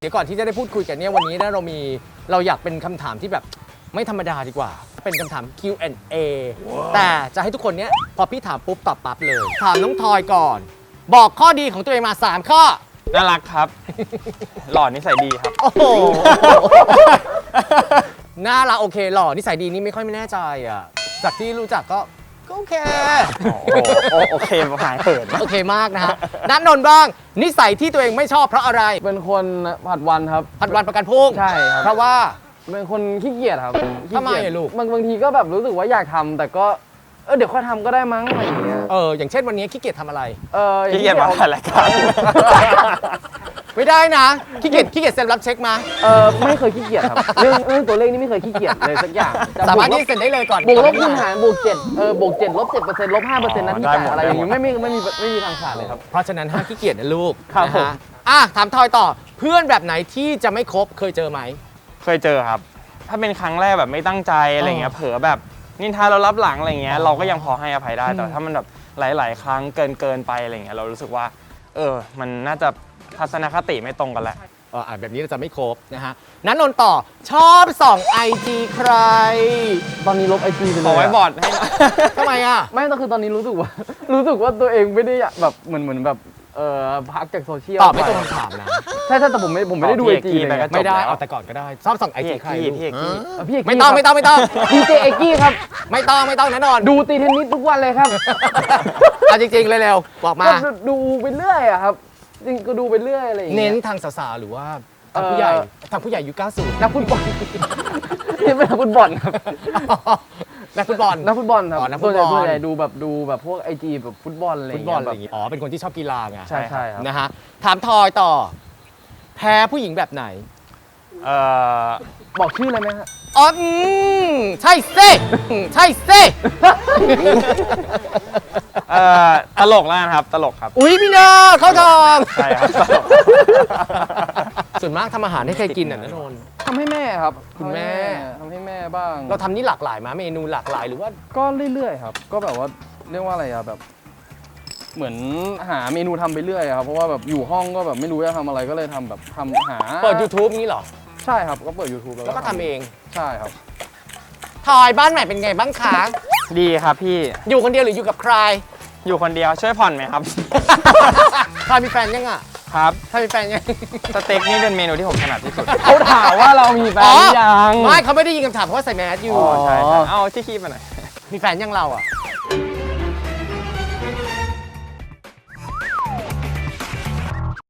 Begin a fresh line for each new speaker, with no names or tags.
ดี๋ยวก่อนที่จะได้พูดคุยกันเนี่ยวันนี้นะเราอยากเป็นคำถามที่แบบไม่ธรรมดาดีกว่า เป็นคำถาม Q&A แต่จะให้ทุกคนเนี้ยพอพี่ถามปุ๊บตอบปั๊บเลย ถามน้องทอยก่อน บอกข้อดีของตัวเองมา 3 ข้อ
น่ารักครับ หล่อนิสัยดีครับ
โอ้โห น่ารักโอเคหล่อนิสัยดีนี่ไม่ค่อยไม่แน่ใจอ่ะจากที่รู้จักก็โอเค
โอเคหายเขิน
โอเคมากนะฮะณนนท์บ้าง นิสัยที่ตัวเองไม่ชอบเพราะอะไร
เป็นคนผัดวันครับ
ผัดวันประกันพรุ่ง
ใช่ครับ
เพราะว่า
เป็นคนขี้เกียจครับขี้
ทำไม
เกียจ
อะลูก
บางทีก็แบบรู้สึกว่าอยากทำแต่ก็เดี๋ยวค่อยทำก็ได้มั้งอะไรอย่างเงี้ย
อย่างเช่นวันนี้ขี้เกียจทำอะไร
ขี้เกียจมาถ่ายรายการ
ไม่ได้นะขี้เกียจเซ็นรับเช็คมา
ไม่เคยขี้เกียจครับ เรื่องตัวเลขนี่ไม่เคยขี้เกียจเลยสักอย่าง
สามารถที่เซ็นได้เลยก่อน
บวกลบคูณหารบวก7บวก7ลบ7%ลบ5%นั้นที่อะไรอย่างเงี้ยไม่มีทางขาดเลยครับ
เพราะฉะนั้นห้ามขี้เกียจนะลูก
ครับ
นะ
ผม
ฮะถามทอยต่อเพื่อนแบบไหนที่จะไม่คบเคยเจอไหม
เคยเจอครับ ถ้าเป็นครั้งแรกแบบไม่ตั้งใจอะไรเงี้ย เผลอแบบนินทาเรารับหลังอะไรเงี้ย เราก็ยังพอให้อภัยได้ แต่ถ้ามันแบบหลาย ๆ ครั้งเกินไปอะไรเงี้ย เรารู้สึกว่า มันน่าจะทัศนคติไม่ตรงกันแหละ
แบบนี้เราจะไม่ครบนะฮะนั้นนนท์ต่อชอบส่องไอจีใคร
ตอนนี้ลบไอจีไปเลย
ขอไว้บอร์ดให้
ทำไมอ่ะ
ไม่ก็คือตอนนี้รู้สึกว่า ตัวเองไม่ได้อยากแบบเหมือนแบบพักจากโซเชียล
ตอบไม่ตรงคำถามนะ
ใช่แต่ผมไม่ได้ดู
ตอบ
ไอ
พี่
จี
เอกกี้
เลย
ไปก็
นะ
จบ
ไม่ได้
แล้ว
เอาแต่ก่อนก็ได้ชอบส่องไอ
พี่
จี
เอก
ใคร
กี้
ลูก
พี่เอกกี้
พี่เอกกี้
ไม่ต้อง
ดีเจเอกกี้ครับ
ไม่ต้องนะนนท์
ดูตีเทนนิสทุกวันเลยครับ
เอาจริงๆเร็วๆบอกมา
ก็ดูไปเรื่อยอะครับจริงก็ดูไปเรื่อยอะไรอย่างเงี้
เน้
ย
นทางสาวๆหรือว่าทางผู้ใหญ่ทางผู้ใหญ่ยุค90
นักฟุตบอล นี่เป็นนักฟุตบอลครับ
นักฟุตบอล
นักฟุตบอลครับ
นักฟุตบอล
ส่วนใหญ่ดูแบบพวกไอจีแบบฟุตบอลอะไรอ
ฟุ
ย่า
ต
ง
บอ
เงี้
ล
ย
อะไรอย่างงี้อ๋อเป็นคนที่ชอบกีฬาไง
ใช่ครับ
นะฮะถามทอยต่อ แพ้ผู้หญิงแบบไหน
บอกชื่อเลยไหมฮะ
อ๋อใช่เซ่ใช่เซ่
ตลกแล้วกันครับ ตลกครับ
อุ้ยพี่นาเข้าทอง
ใช่ครับตลก
ส่วนมากทำอาหารให้ใครกินอ่ะนะนนท์
ทำให้แม่ครับ
คุณแม่
ทำให้แม่บ้าง
เราทำนี่หลากหลายมาเมนูหลากหลายหรือว่า
ก็เรื่อยๆครับ ก็แบบว่าเรียกว่าอะไรอะแบบ เหมือนหาเมนูทำไปเรื่อยอะครับเพราะว่าแบบอยู่ห้องก็แบบไม่รู้จะทำอะไรก็เลยทำแบบทำหา
เปิด YouTube นี้เหรอ
ใช่ครับก็เปิด YouTube
แล้วก็ทำเอง
ใช่ครับ
ทอยบ้านใหม่เป็นไงบ้างคะ
ดีครับพี่
อยู่คนเดียวหรืออยู่กับใคร
อยู่คนเดียวช่วยผ่อนไหมครับ
ทอยมีแฟนยังอ่ะ
ครับ
ทอยมีแฟนยัง
สเต็กนี่เป็นเมนูที่ผมถนัดที่สุด
เขาถามว่าเรามีแฟนหรือยัง
ไม่เขาไม่ได้ยินคำถามเพราะว่าใส่แมสอยู่
อ๋อใช่ใช่เอาที่คีบมาหน่อย
มีแฟนยังเราอ่ะ